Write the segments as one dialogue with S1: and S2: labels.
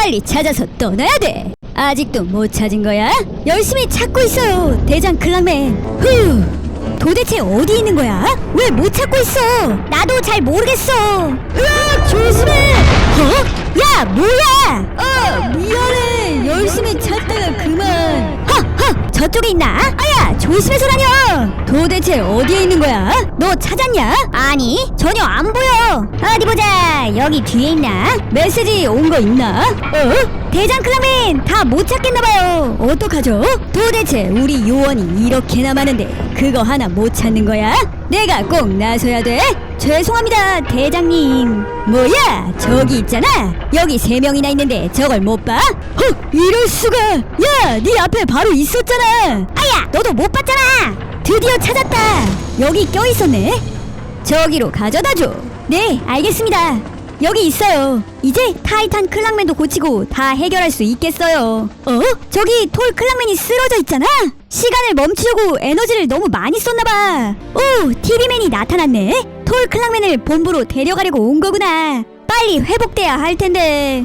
S1: 빨리 찾아서 떠나야 돼. 아직도 못 찾은 거야? 열심히 찾고 있어요, 대장 클랑맨. 후, 도대체 어디 있는 거야? 왜 못 찾고 있어? 나도 잘 모르겠어. 으악, 조심해. 어? 야, 뭐야? 미안해. 열심히 찾다가 그만. 허, 저쪽에 있나? 아야, 조심해서 다녀. 도대체 어디에 있는 거야? 너 찾았냐? 아니, 전혀 안 보여. 어디 보자. 여기 뒤에 있나? 메시지 온 거 있나? 대장 클라맨 다 못 찾겠나봐요. 어떡하죠? 도대체 우리 요원이 이렇게나 많은데 그거 하나 못 찾는 거야? 내가 꼭 나서야 돼? 죄송합니다, 대장님. 뭐야, 저기 있잖아. 여기 3명이나 있는데 저걸 못 봐? 이럴 수가. 야, 네 앞에 바로 있었잖아. 아야, 너도 못 봤잖아. 드디어 찾았다. 여기 껴있었네. 저기로 가져다줘. 네, 알겠습니다. 여기 있어요. 이제 타이탄 클랑맨도 고치고 다 해결할 수 있겠어요. 저기 톨 클랑맨이 쓰러져 있잖아. 시간을 멈추려고 에너지를 너무 많이 썼나봐. 오, TV맨이 나타났네. 톨 클랑맨을 본부로 데려가려고 온 거구나. 빨리 회복돼야 할 텐데.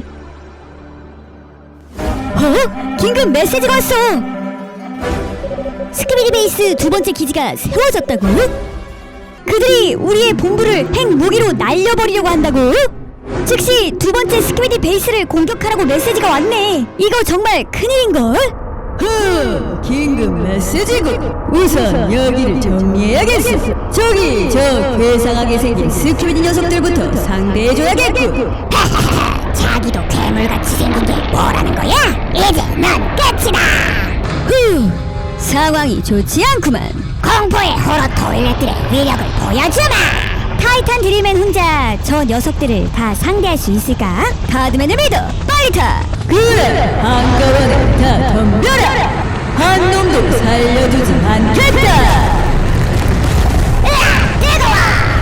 S1: 긴급 메시지가 왔어. 스크비디 베이스 2번째 기지가 세워졌다고? 그들이 우리의 본부를 핵무기로 날려버리려고 한다고? 즉시 2번째 스키비디 베이스를 공격하라고 메시지가 왔네. 이거 정말 큰일인걸?
S2: 긴급 메시지고. 우선 여기를 정리해야겠어. 저기 저 괴상하게 생긴 스키비디 녀석들부터 상대해줘야겠고.
S3: 자기도 괴물같이 생긴 게 뭐라는 거야? 이제 넌 끝이다.
S1: 상황이 좋지 않구만.
S3: 공포의 호러 토일렛들의 위력을 보여주마.
S1: 타이탄 드릴맨 혼자 저 녀석들을 다 상대할 수 있을까? 가드맨을 믿어. 빨리 타.
S2: 그래, 한꺼번에 다 덤벼라. 한 놈도 살려주지 않겠다.
S3: 뜨거워.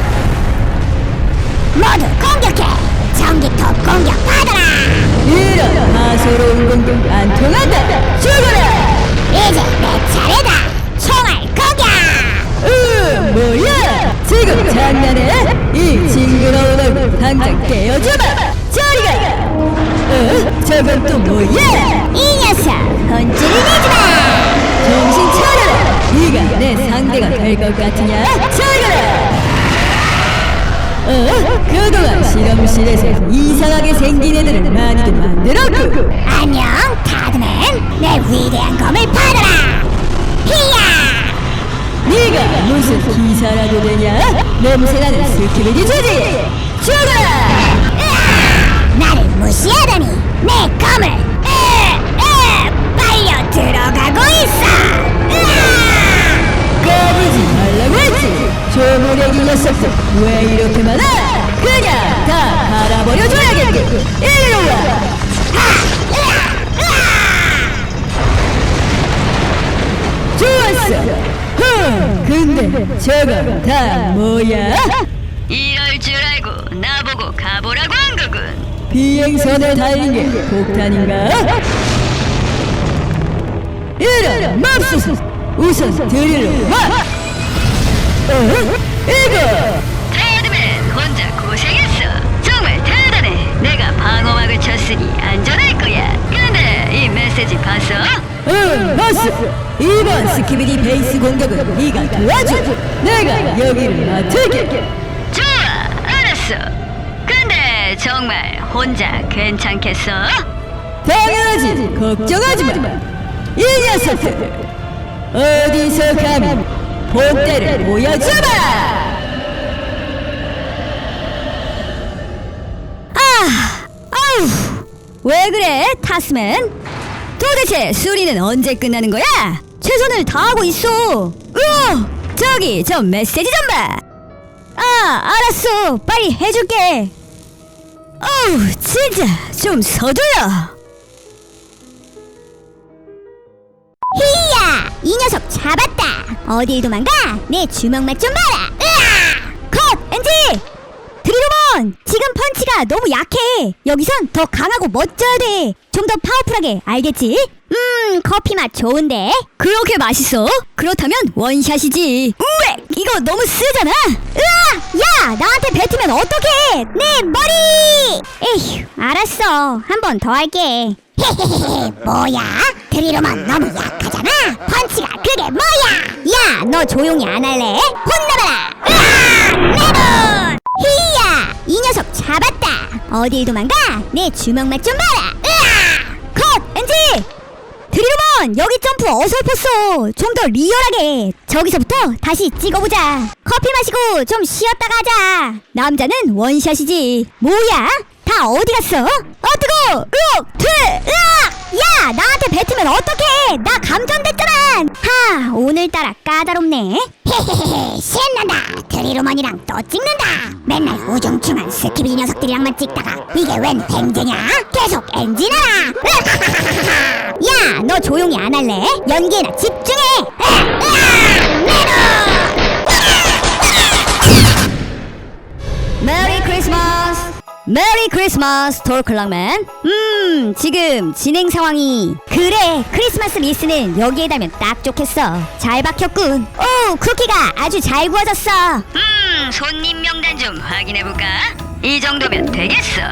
S3: 모두 공격해. 전기톱 공격 받아라.
S2: 이런 하소로운 공격 안 통한다. 죽어라.
S3: 이제 내 차례다. 총알 공격.
S2: 뭐야? 지금 장난해? 이 징그러운 얼굴 당장 떼어주마. 저리가. 저건 또 뭐야?
S3: 이 녀석 혼쭐을 내주마.
S2: 정신 차려라. 네가 내 상대가 될 것 같으냐? 저리가. 그동안 실험실에서 이상하게 생긴 애들을 많이도 만들었고.
S3: 안녕 타드맨. 내 위대한 검을 받아라. 히야.
S2: 네가 무슨 기사라도 되냐? 냄새나는 스키비디 주지. 죽어라.
S3: 나를 무시하다니. 내 검을 빨려 들어가고 있어.
S2: 까부지 말라고 했지. 조무래기 녀석들 왜 이렇게 많아? 그냥 다 갈아버려줘야겠고. 이리로 와. 좋았어. 근데 저건 다 뭐야?
S1: 이럴 줄 알고 나보고 가보라고 한 거군.
S2: 비행선에 달린 게 폭탄인가? 이런 맙소사. 우선 드리러 와. 이거
S1: 타이드맨 혼자 고생했어. 정말 대단해. 내가 방어막을 쳤으니 안전할 거야. 근데 이 메시지 봤어?
S2: 봤어. 이번 스키비디 베이스 공격은 네가 도와줘. 내가 여기를 맡을게.
S1: 좋아, 알았어. 근데 정말 혼자 괜찮겠어?
S2: 당연하지. 걱정하지 마. 이 녀석들 어디서 감히 본때를 보여주마.
S1: 아우, 왜 그래, 타스맨? 도대체 수리는 언제 끝나는 거야? 최선을 다하고 있어. 저기 저 메시지 좀 봐. 알았어. 빨리 해줄게. 어우, 진짜 좀 서둘러.
S3: 히야. 이 녀석 잡았다. 어딜 도망가? 내 주먹 맛 좀 봐라.
S1: 컷! 엔지! 드리로몬! 지금 펀치가 너무 약해. 여기선 더 강하고 멋져야 돼. 좀 더 파워풀하게, 알겠지?
S3: 커피 맛 좋은데?
S1: 그렇게 맛있어? 그렇다면 원샷이지. 우에 이거 너무 쓰잖아.
S3: 으아! 야! 나한테 뱉으면 어떡해! 내 머리! 에휴, 알았어. 한 번 더 할게. 헤헤헤, 뭐야? 드리로만 너무 약하잖아? 펀치가 그게 뭐야? 야, 너 조용히 안 할래? 혼나봐라! 으아! 내 눈! 히야! 이 녀석 잡았다! 어딜 도망가? 내 주먹 맛 좀 봐라! 으아!
S1: 컷! 엔지! 드리로먼 여기 점프 어설펐어. 좀 더 리얼하게. 저기서부터 다시 찍어보자. 커피 마시고 좀 쉬었다가 하자. 남자는 원샷이지. 뭐야? 다 어디 갔어? 뜨거워! 으악!
S3: 야! 나한테 뱉으면 어떡해! 나 감전됐잖아! 하, 오늘따라 까다롭네. 헤헤헤, 신난다! 드리로먼이랑 또 찍는다! 맨날 우중충한 스키비 녀석들이랑만 찍다가 이게 웬 뱅제냐? 계속 엔진하라! 야! 너 조용히 안 할래? 연기에나 집중해!
S1: 메리 크리스마스! 메리 크리스마스 톨클락맨. 지금 진행 상황이 그래 크리스마스 리스는 여기에 달면 딱 좋겠어. 잘 박혔군. 오 쿠키가 아주 잘 구워졌어. 손님 명단 좀 확인해볼까? 이 정도면 되겠어.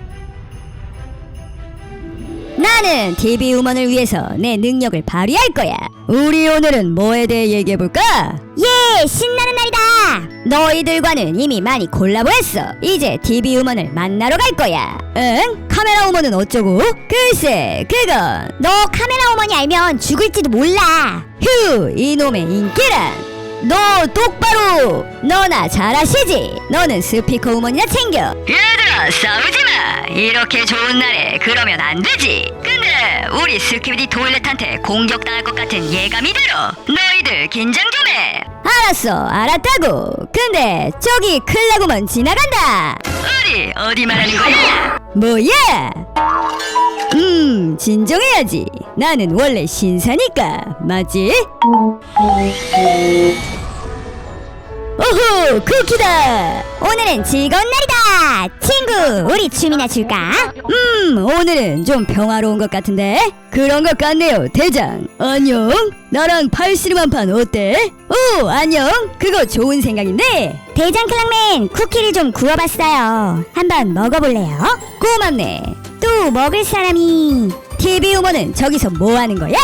S1: 나는 TV 우먼을 위해서 내 능력을 발휘할 거야. 우리 오늘은 뭐에 대해 얘기해볼까?
S3: 예! 신나는 날이다!
S1: 너희들과는 이미 많이 콜라보했어. 이제 TV 우먼을 만나러 갈 거야. 응? 카메라 우먼은 어쩌고? 글쎄 그건
S3: 너 카메라 어머니 알면 죽을지도 몰라!
S1: 휴 이놈의 인기란. 너 똑바로. 너나 잘하시지. 너는 스피커 우먼이나 챙겨. 얘들아 싸우지마. 이렇게 좋은 날에 그러면 안 되지. 근데 우리 스키비디 토일렛한테 공격당할 것 같은 예감이 들어. 너희들 긴장 좀 해. 알았어 알았다고. 근데 저기 클라구먼 지나간다. 어디 말하는 거야? 뭐야? 진정해야지. 나는 원래 신사니까 맞지? 오호 쿠키다.
S3: 오늘은 즐거운 날이다! 친구, 우리 춤이나 출까?
S1: 오늘은 좀 평화로운 것 같은데? 그런 것 같네요 대장. 안녕. 나랑 팔씨름 판 어때? 오 안녕. 그거 좋은 생각인데.
S3: 대장 클랑맨, 쿠키를 좀 구워봤어요. 한번 먹어볼래요?
S1: 고맙네.
S3: 또 먹을 사람이...
S1: TV 우먼은 저기서 뭐 하는 거야?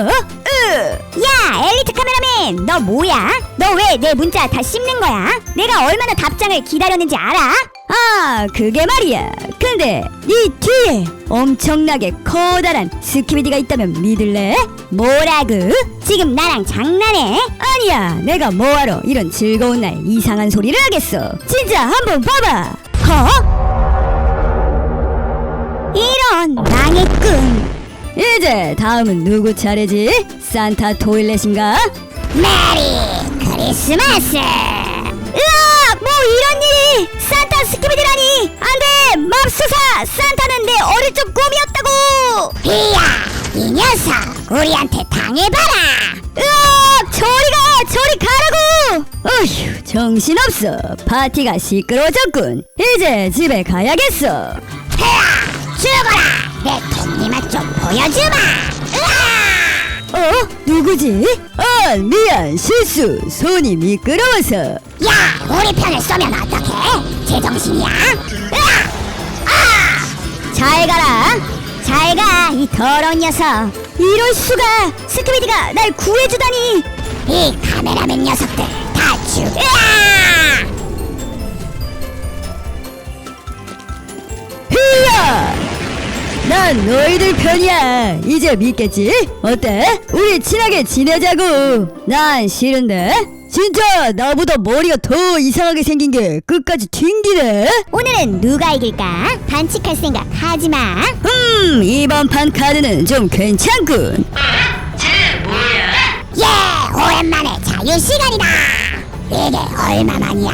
S3: 야, 엘리트 카메라맨! 너 뭐야? 너 왜 내 문자 다 씹는 거야? 내가 얼마나 답장을 기다렸는지 알아?
S1: 아 그게 말이야. 근데 이 뒤에 엄청나게 커다란 스키비디가 있다면 믿을래?
S3: 뭐라고? 지금 나랑 장난해?
S1: 아니야 내가 뭐하러 이런 즐거운 날 이상한 소리를 하겠어. 진짜 한번 봐봐.
S3: 이런, 망했군.
S1: 이제 다음은 누구 차례지? 산타 토일렛인가?
S3: 메리 크리스마스!
S1: 으악! 뭐 이런 일이! 산타 스키비디라니! 안돼! 맙소사! 산타는 내 어릴 적 꿈이었다고!
S3: 이야, 이 녀석 우리한테 당해봐라.
S1: 으악! 저리 가라고! 어휴 정신없어. 파티가 시끄러워졌군. 이제 집에 가야겠어.
S3: 헤라, 죽어라. 내 톱니맛 좀 보여주마. 으아!
S1: 누구지? 미안 실수. 손이 미끄러워서.
S3: 야, 우리 편을 쏘면 어떡해? 제정신이야?
S1: 잘 가라. 잘 가, 이 더러운 녀석. 이럴 수가. 스키비디가 날 구해주다니.
S3: 이 카메라맨 녀석들 다 죽어!
S1: 히야! 난 너희들 편이야. 이제 믿겠지? 어때? 우리 친하게 지내자고. 난 싫은데? 진짜 나보다 머리가 더 이상하게 생긴 게 끝까지 튕기네.
S3: 오늘은 누가 이길까? 반칙할 생각 하지마.
S1: 이번 판 카드는 좀 괜찮군. 쟤 뭐야?
S3: 예, 오랜만에 자유시간이다. 이게 얼마만이야?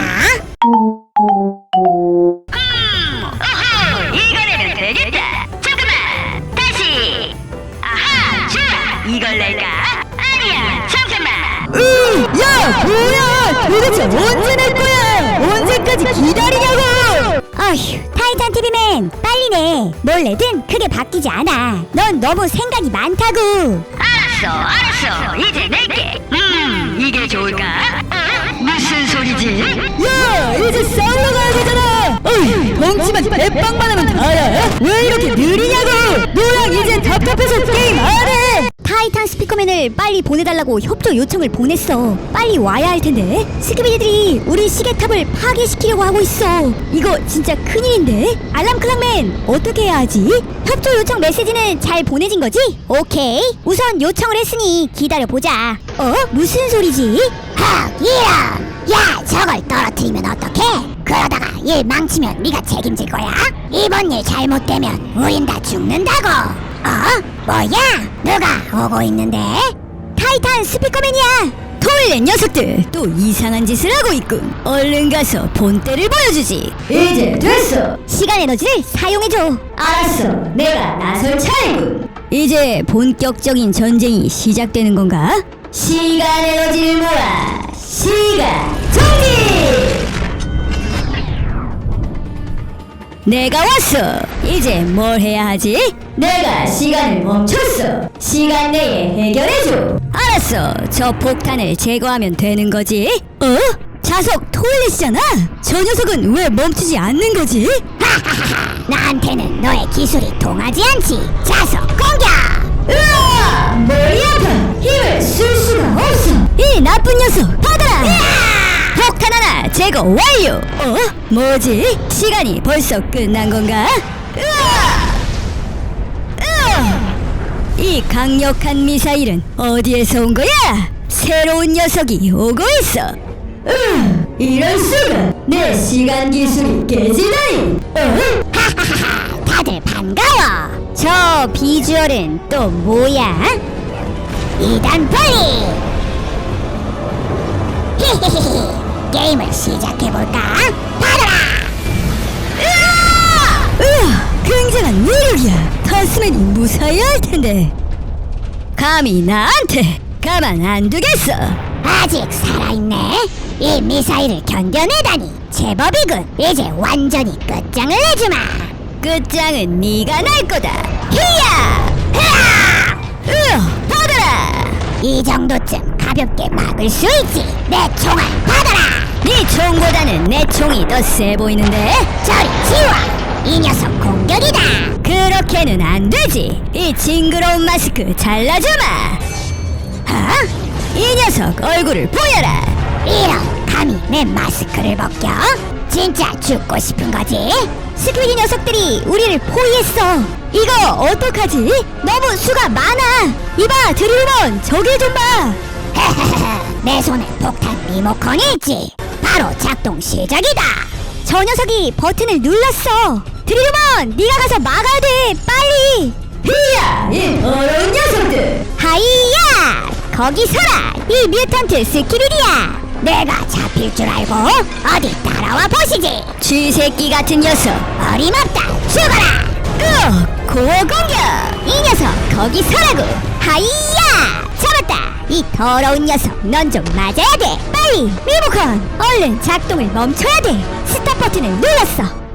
S1: 이거 내면 되겠다. 잠깐만 다시. 아하 좋아. 이걸 낼까? 아니야 잠깐만. 야 뭐야 도대체 언제 낼 거야? 언제까지 기다리냐고.
S3: 어휴, 타이탄 TV맨 빨리 내. 뭘 내든 크게 바뀌지 않아. 넌 너무 생각이 많다고.
S1: 알았어 이제 낼게. 이게 좋을까? 무슨 소리지?
S2: 야, 이제 싸우러 가야 되잖아. 어이, 덩치만 대빵만 하면 다야. 왜 이렇게 느리냐고. 너랑 이제 답답해서 게임 안 해.
S1: 타이탄 스피커맨을 빨리 보내달라고 협조 요청을 보냈어. 빨리 와야 할 텐데 스키비디들이 우리 시계탑을 파괴시키려고 하고 있어. 이거 진짜 큰일인데. 알람클락맨 어떻게 해야 하지? 협조 요청 메시지는 잘 보내진 거지?
S3: 오케이. 우선 요청을 했으니 기다려보자.
S1: 무슨 소리지?
S3: 이런. 야, 저걸 떨어뜨리면 어떡해? 그러다가 일 망치면 네가 책임질 거야? 이번 일 잘못되면 우린 다 죽는다고. 뭐야? 누가 오고 있는데?
S1: 타이탄 스피커맨이야. 토일렛 녀석들 또 이상한 짓을 하고 있군. 얼른 가서 본때를 보여주지.
S2: 이제 됐어.
S1: 시간 에너지를 사용해줘.
S2: 알았어. 내가 나설 차례군.
S1: 이제 본격적인 전쟁이 시작되는 건가?
S2: 시간 에너지를 모아. 시간 정지.
S1: 내가 왔어. 이제 뭘 해야 하지?
S2: 내가 시간을 멈췄어. 시간 내에 해결해줘.
S1: 알았어. 저 폭탄을 제거하면 되는 거지? 자석 토일렛이잖아. 저 녀석은 왜 멈추지 않는 거지?
S3: 나한테는 너의 기술이 통하지 않지. 자석 공격!
S2: 으아! 머리 아파. 힘을 쓸 수가 없어.
S1: 이 나쁜 녀석 받아라. 폭탄 하나 제거 완료. 뭐지? 시간이 벌써 끝난 건가? 이 강력한 미사일은 어디에서 온 거야? 새로운 녀석이 오고 있어.
S2: 이럴 수가. 내 시간 기술이 깨지다니.
S3: 다들 반가워. 저 비주얼은 또 뭐야? 2단 폴리. 히히히히. 게임을 시작해볼까? 받아라.
S1: 굉장한 위력이야. 타스맨이 무사해야 할 텐데. 감히 나한테 가만 안 두겠어.
S3: 아직 살아있네. 이 미사일을 견뎌내다니 제법이군. 이제 완전히 끝장을 내주마.
S1: 끝장은 네가 날 거다.
S3: 히야!
S1: 받아라.
S3: 이 정도쯤 가볍게 막을 수 있지. 내 총알 받아라.
S1: 네 총보다는 내 총이 더 세 보이는데?
S3: 저리 치워. 이 녀석 공격이다.
S1: 그렇게는 안 되지. 이 징그러운 마스크 잘라주마. 이 녀석 얼굴을 보여라.
S3: 이런, 감히 내 마스크를 벗겨? 진짜 죽고 싶은 거지?
S1: 스퀴디 녀석들이 우리를 포위했어. 이거 어떡하지? 너무 수가 많아. 이봐 드릴몬, 저길 좀 봐.
S3: 내 손에 폭탄 리모컨이 있지. 바로 작동 시작이다.
S1: 저 녀석이 버튼을 눌렀어. 드릴몬, 네가 가서 막아야 돼. 빨리.
S2: 히야! 이 더러운 녀석들.
S3: 하이야! 거기 서라. 이 뮤턴트 스키비디야. 내가 잡힐 줄 알고 어디 따라와 보시지.
S1: 쥐새끼 같은 녀석.
S3: 어림없다. 죽어라.
S1: 고어 공격.
S3: 이 녀석 거기 서라고. 하이야! 잡았다. 이 더러운 녀석, 넌 좀 맞아야 돼. 빨리 리모컨, 얼른 작동을 멈춰야 돼. 스탑 버튼을 눌렀어.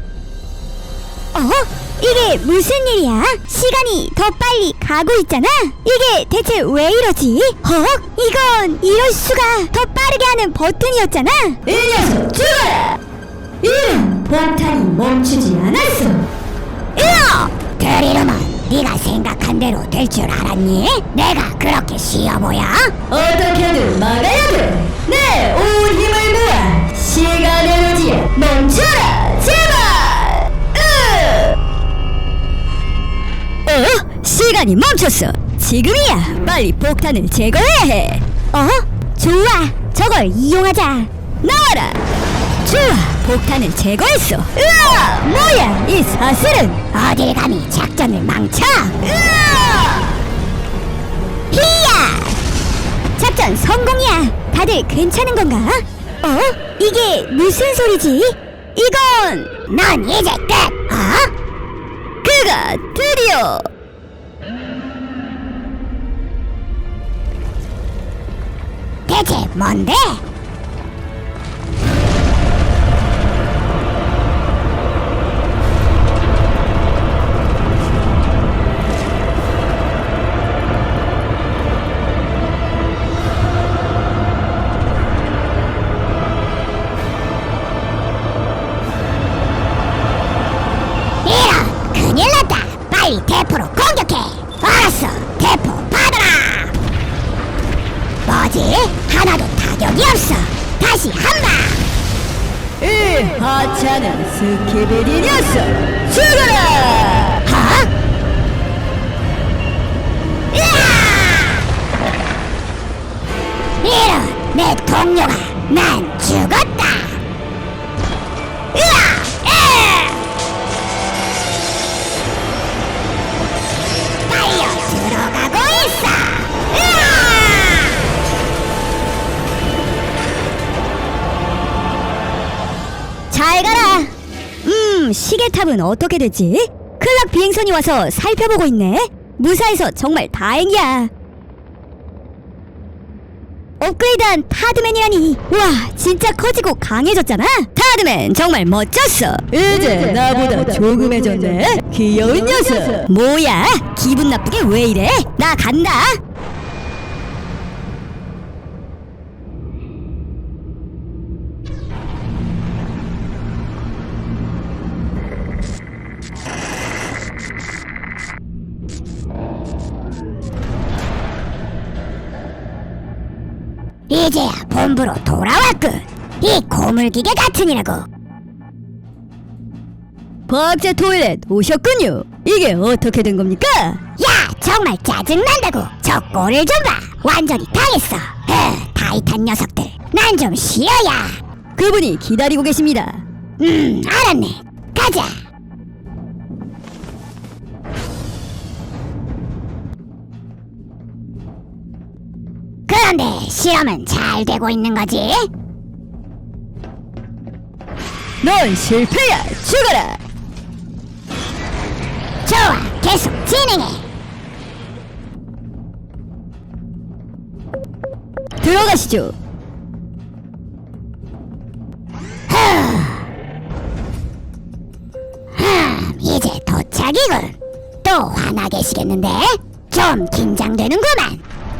S1: 이게 무슨 일이야? 시간이 더 빨리 가고 있잖아. 이게 대체 왜 이러지? 이건 이럴 수가. 더 빠르게 하는 버튼이었잖아.
S2: 이 녀석 죽어라. 이런 폭탄이 멈추지 않았어.
S3: 드리루먼, 네가 생각한 대로 될 줄 알았니? 내가 그렇게 쉬워 보여?
S2: 어떻게든 막아야 돼. 내 온 힘을 모아. 시간 에너지에 멈춰라. 제발.
S1: 시간이 멈췄어. 지금이야. 빨리 폭탄을 제거해야 해. 좋아. 저걸 이용하자. 나와라. 좋아. 폭탄을 제거했어. 뭐야 이 사슬은.
S3: 어딜 감히 작전을 망쳐? 히야!
S1: 작전 성공이야. 다들 괜찮은 건가? 이게 무슨 소리지? 이건
S3: 넌 이제 끝!
S1: 그가 드디어.
S3: 대체 뭔데? 대포로 공격해. 알았어, 대포 받아라. 뭐지? 하나도 타격이 없어. 다시 한방.
S2: 이 하찮은 스키비디 녀석 죽어라.
S3: 어? 이런, 내 동료가 난 죽었다. 달려 들어가고 있어.
S1: 잘 가라. 시계탑은 어떻게 됐지? 클락 비행선이 와서 살펴보고 있네. 무사해서 정말 다행이야. 업그레이드한 타드맨이라니. 와, 진짜 커지고 강해졌잖아. 타드맨 정말 멋졌어.
S2: 이제 나보다 조금해졌네. 귀여운 녀석.
S1: 뭐야? 기분 나쁘게 왜 이래? 나 간다.
S3: 이제야 본부로 돌아왔군. 이 고물기계 같으니라고.
S2: 과학자 토일렛 오셨군요. 이게 어떻게 된 겁니까?
S3: 야, 정말 짜증난다고. 저 꼴을 좀 봐. 완전히 당했어. 타이탄 녀석들. 난 좀 쉬어야.
S2: 그분이 기다리고 계십니다.
S3: 알았네. 가자. 그런데 실험은 잘 되고 있는 거지?
S2: 넌 실패야. 죽어라.
S3: 좋아, 계속 진행해.
S2: 들어가시죠.
S3: 이제 도착이군. 또 화나 계시겠는데? 좀 긴장되는구만.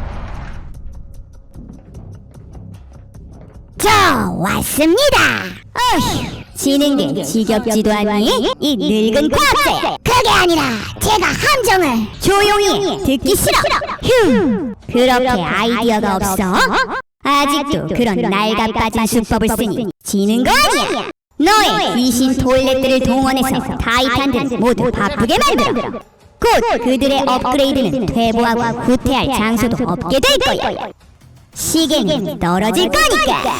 S3: 저 왔습니다.
S1: 어휴, 진행된 지겹지도 않니? 이 늙은 과학자야.
S3: 그게 아니라 제가 함정을.
S1: 조용히 해. 듣기 싫어. 휴, 그렇게 아이디어가 없어? 아직도 그런 낡아빠진 수법을 쓰니 지는 거 아니야. 너의 귀신 토일렛들을 동원해서 타이탄들을 모두 바쁘게 만들어. 곧 그들의 업그레이드는 퇴보하고 후퇴할 장소도 없게 될 거야. 시계는 떨어질 거니까.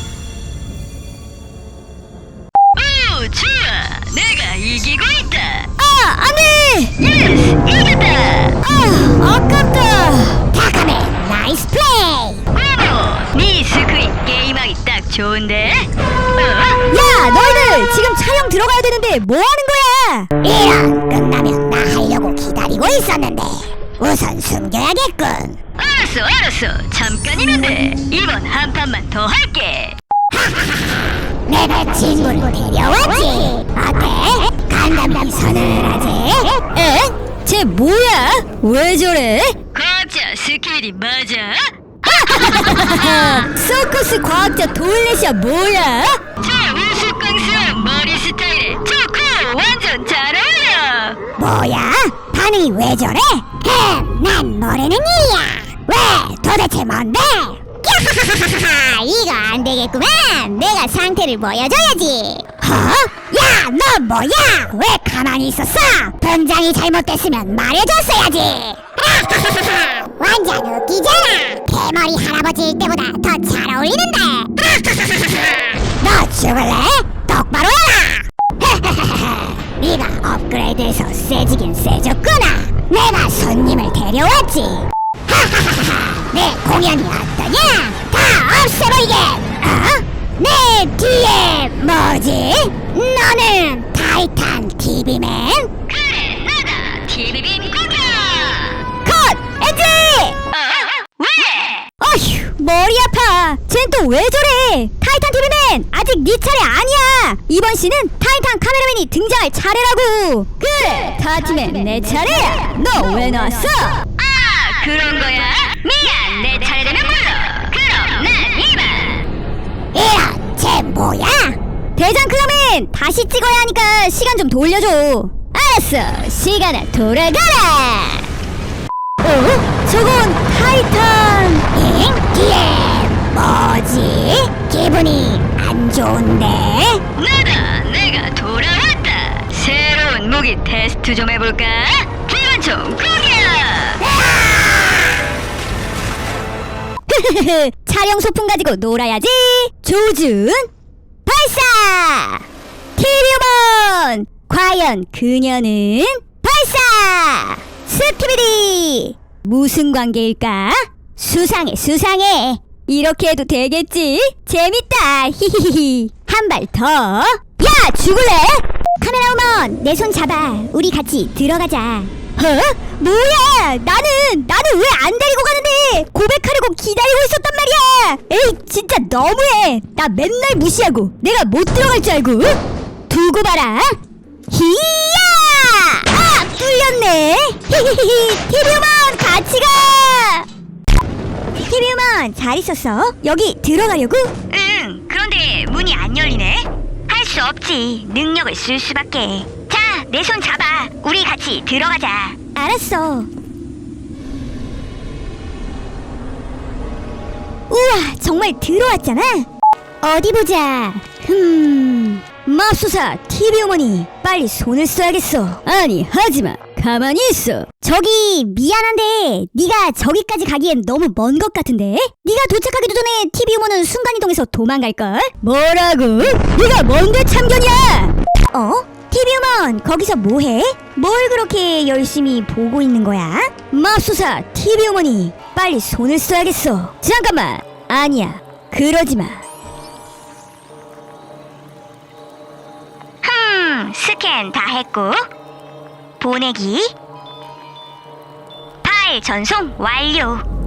S2: 오, 좋아. 내가 이기고 있다.
S1: 안돼.
S2: 예스, 이겼다.
S1: 아깝다.
S3: 다카맨 나이스 플레이.
S2: 브라보. 네 스크린 게임하기 딱 좋은데.
S1: 야, 너희들 지금 촬영 들어가야 되는데 뭐 하는 거야?
S3: 이런, 끝나면 나 하려고 기다리고 있었는데 우선 숨겨야겠군.
S2: 알았어. 잠깐이면 돼. 이번 한 판만 더 할게.
S3: 내가 친구를 데려왔지. 어때? 간담이 서늘하지?
S1: 에? 쟤 뭐야? 왜 저래?
S2: 과학자 스키비디 맞아?
S1: 서커스 과학자 토일렛이야 뭐야?
S2: 저 우스꽝스러운 머리 스타일에 좋고 완전 잘 어울려.
S3: 뭐야? 반응이 왜 저래? 난 모르는 일이야. 왜? 도대체 뭔데? 이거 안 되겠구만. 내가 상태를 보여줘야지. 야, 너 뭐야? 왜 가만히 있었어? 분장이 잘못됐으면 말해줬어야지. 완전 웃기잖아. 대머리 할아버지일 때보다 더 잘 어울리는데. 너 죽을래? 똑바로 해라. 네가 업그레이드해서 세지긴 세졌구나. 내가 손님을 데려왔지. 내 공연이 어떠냐? 다 없애버리게. 내 뒤에 뭐지? 너는 타이탄 TV맨?
S2: 그래, 나다. TV빔 공격.
S1: 컷! 엔지!
S2: 왜?
S1: 어휴, 머리 아파. 쟨 또 왜 저래? 타이탄 TV맨, 아직 네 차례 아니야. 이번 시는 타이탄 카메라맨이 등장할 차례라고. 그래, 타티맨 내 차례야. 너 왜 나왔어?
S2: 그런 거야? 미안, 내 차례 되면 불러. 그럼 난 이만.
S3: 이런, 쟤 뭐야?
S1: 대장 클라맨 다시 찍어야 하니까 시간 좀 돌려줘. 알았어. 시간아 돌아가라.
S3: 저건 타이탄. 뒤에 뭐지? 기분이 안 좋은데?
S1: 나다. 내가 돌아왔다. 새로운 무기 테스트 좀 해볼까? 기관총 공격. 촬영 소품 가지고 놀아야지. 조준 발사. 티리오몬. 과연 그녀는 발사. 스피비디. 무슨 관계일까? 수상해. 이렇게 해도 되겠지? 재밌다. 히히히. 한 발 더. 야, 죽을래?
S3: 카메라우먼, 내 손 잡아. 우리 같이 들어가자.
S1: 뭐야? 나는 왜 안 데리고 가는데? 고백하려고 기다리고 있었단 말이야. 에이, 진짜 너무해. 나 맨날 무시하고 내가 못 들어갈 줄 알고. 두고 봐라. 히야! 아, 뚫렸네. 히히히. 티비우먼 같이 가. 티비우먼 잘 있었어? 여기 들어가려고? 응. 그런데 문이 안 열리네. 할 수 없지. 능력을 쓸 수밖에. 자, 내 손 잡아. 우리 같이 들어가자. 알았어. 우와, 정말 들어왔잖아. 어디 보자. 맙소사 TV 어머니, 빨리 손을 써야겠어. 아니, 하지마. 가만히 있어.
S3: 저기 미안한데 네가 저기까지 가기엔 너무 먼 것 같은데? 네가 도착하기도 전에 TV 우먼은 순간이동해서 도망갈걸?
S1: 뭐라고? 네가 뭔데 참견이야?
S3: TV 우먼 거기서 뭐해? 뭘 그렇게 열심히 보고 있는 거야?
S1: 맙소사 TV 어머니, 빨리 손을 써야겠어. 잠깐만. 아니야, 그러지마. 스캔 다 했고, 보내기, 파일 전송 완료.